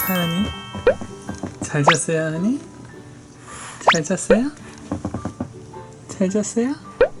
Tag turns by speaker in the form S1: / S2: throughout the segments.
S1: 하은이? 잘 잤어요, 하은이? 잘 잤어요? 잘 잤어요?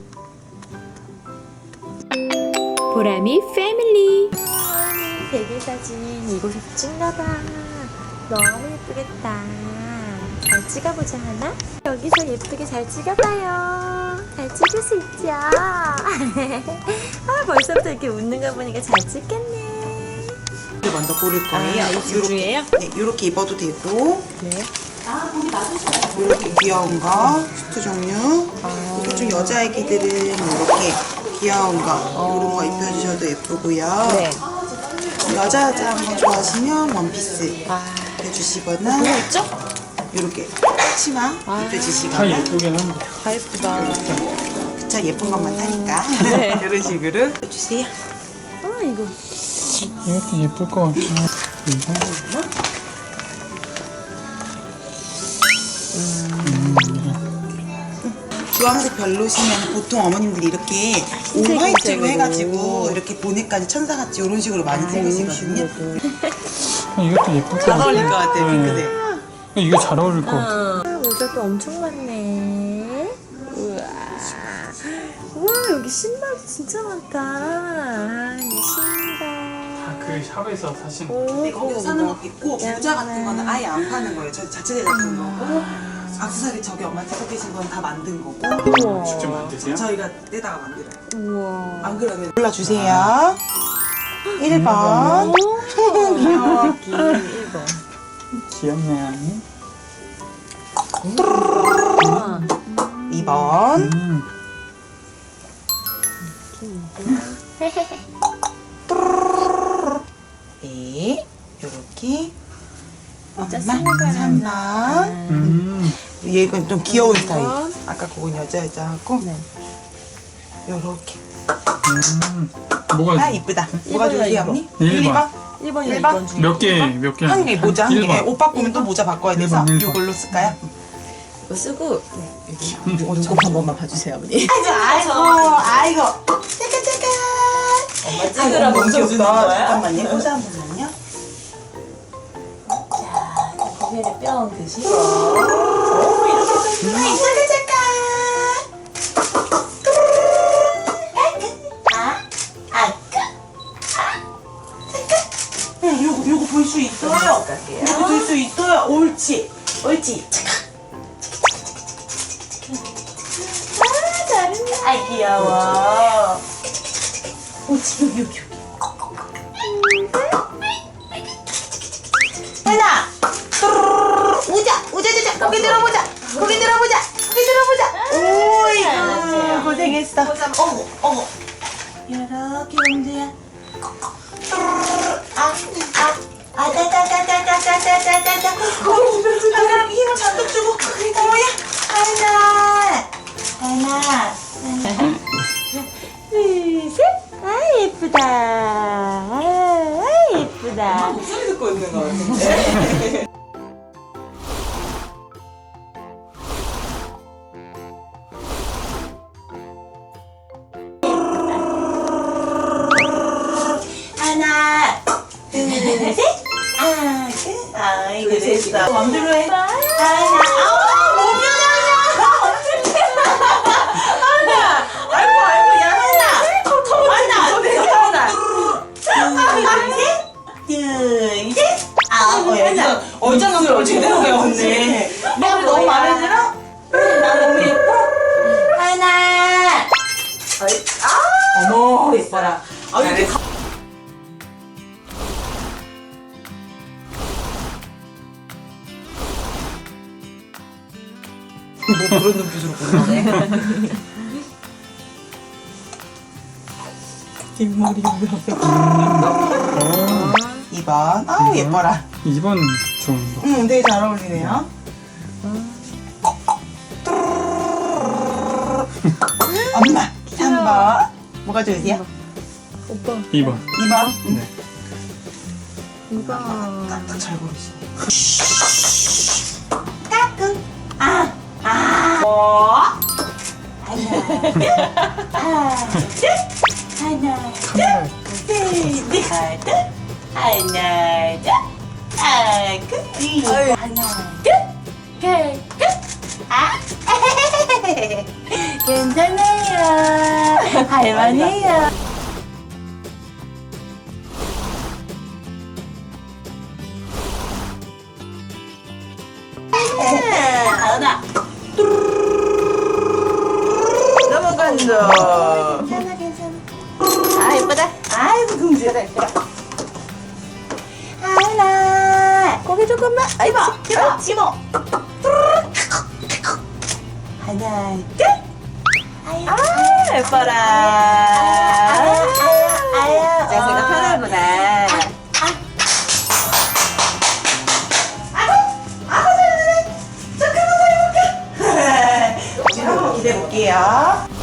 S2: 보람이 패밀리. 베개 사진 이곳에서 찍나봐. 너무 예쁘겠다. 잘 찍어보자 하나? 여기서 예쁘게 잘 찍어봐요. 잘 찍을 수 있죠? 아, 벌써부터 이렇게 웃는 거 보니까 잘 찍겠네.
S3: 이제 먼저 고를 거예요.
S2: 이 둘 중에요?
S3: 네, 이렇게 입어도 되고.
S2: 네.
S3: 이렇게 귀여운 거, 수트 종류. 이거 좀 여자애기들은 이렇게 귀여운 거, 이런 거 입혀주셔도 예쁘고요.
S2: 네.
S3: 여자한 거 좋아하시면 원피스
S2: 아,
S3: 입혀주시거나
S2: 뭐 있죠?
S3: 이렇게 치마
S1: 다
S3: 입혀주시거나.
S1: 예쁘긴 한데.
S2: 다 예쁘다.
S3: 그쵸, 예쁜 것만 사니까.
S2: 네.
S3: 이런 식으로 입혀주세요.
S2: 아, 이거.
S1: 이것도 예쁠 것 같긴 해. 이거?
S3: 주황색 별로시면 보통 어머님들이 이렇게 올 화이트로 해가지고 이렇게 보내까지 천사같이 이런 식으로 많이 찍으시거든요.
S1: 이것도 예쁠 것
S3: 잘
S1: 같아.
S3: 어울릴 것 같아요,
S1: 네.
S3: 핑크색.
S1: 이거 잘 어울릴 것 같아.
S2: 모자도 엄청 많네. 우와. 우와, 여기 신발도 진짜 많다. 이 신발.
S1: 그 샵에서 사신
S2: 오,
S3: 근데 거기서 사는 것도 있고 모자 같은 거는 아예 안 파는 거예요. 저 자체 제작한 거고 액세서리 저기 엄마 찍고 계신 건 다 만든 거고
S2: 우와.
S1: 직접 만드세요?
S3: 저희가 떼다가 만들어요.
S2: 우와.
S3: 안 그러면 골라주세요. 1번 귀여워.
S2: 여기 1번.
S1: 귀엽네, 하은이.
S3: 2번 네 요렇게 엄마 3번 얘가 좀 귀여운 스타일. 아까 그건 여자하고
S2: 네.
S3: 요렇게
S1: 뭐가
S3: 이쁘다. 뭐가 좋으세요 언니?
S1: 1번.
S2: 1번이랑
S3: 1번?
S2: 2번 중에.
S1: 몇 개?
S3: 한 개 모자 한 개.
S1: 1번.
S3: 옷 바꾸면 또 모자 바꿔야 돼서
S1: 1번.
S3: 이걸로 쓸까요?
S2: 이거 쓰고 눈곱 한 번만 봐주세요, 어머니.
S3: 아이고 잠깐
S2: 찍으라고
S3: 너무
S2: 주는
S3: 귀엽다.
S2: 거야?
S3: 잠깐만요. 모자 한 번만요.
S2: 고개를 뿅 드시고.
S3: 요거 볼 수 있어요. 요거 볼 수 있어요. 옳지. 아 귀여워. 옳지 여기. 하나. 우자. 고개 들어보자. 오이구 고생했어. 어머. 이렇게 용주야. 아따따따따따따따따따 고개 주변 그럼 힘을 잔뜩 주고 어머야 하나 둘셋 예쁘다 예쁘다 목소리 듣고 있는 거 같은데 하나 둘셋 아이고 됐어 맘대로 해 하나 몸 하나 아이고 야 하나 얼짱한 걸 제대로 배웠네 내가 너무 마음에 들어? 나 너무 예뻐? 하나 어머 예뻐라 잘했어 뭐 그런 눈빛으로 보네. 뒷머리
S1: 어,
S3: 2번. 아우 예뻐라.
S1: 2번 좋은 거.
S3: 되게 잘 어울리네요. 엄마 3번. 뭐가 좋으세요?
S2: 오빠
S1: 2번.
S3: 2번.
S1: 네.
S2: 2번.
S3: 딱잘 고르시네. 까꿍. 하나, 둘,
S1: 카메라.
S3: 셋, 넷, 하나, 둘, 하나, 둘, 하나, 끝.
S2: 아유.
S3: 하나, 끝. 아, 괜찮아요. 할만해요. 하나.
S2: 넘어간다.
S3: 괜찮아.
S2: 아, 예쁘다.
S3: 아이고, 금지가 예쁘다. 하나.
S2: 고개 조금만. 아이고,
S3: 그렇지 뭐. 하나, 끝.
S2: 아, 예뻐라. 자세가 편하구나.
S3: 지금 한번 기대볼게요.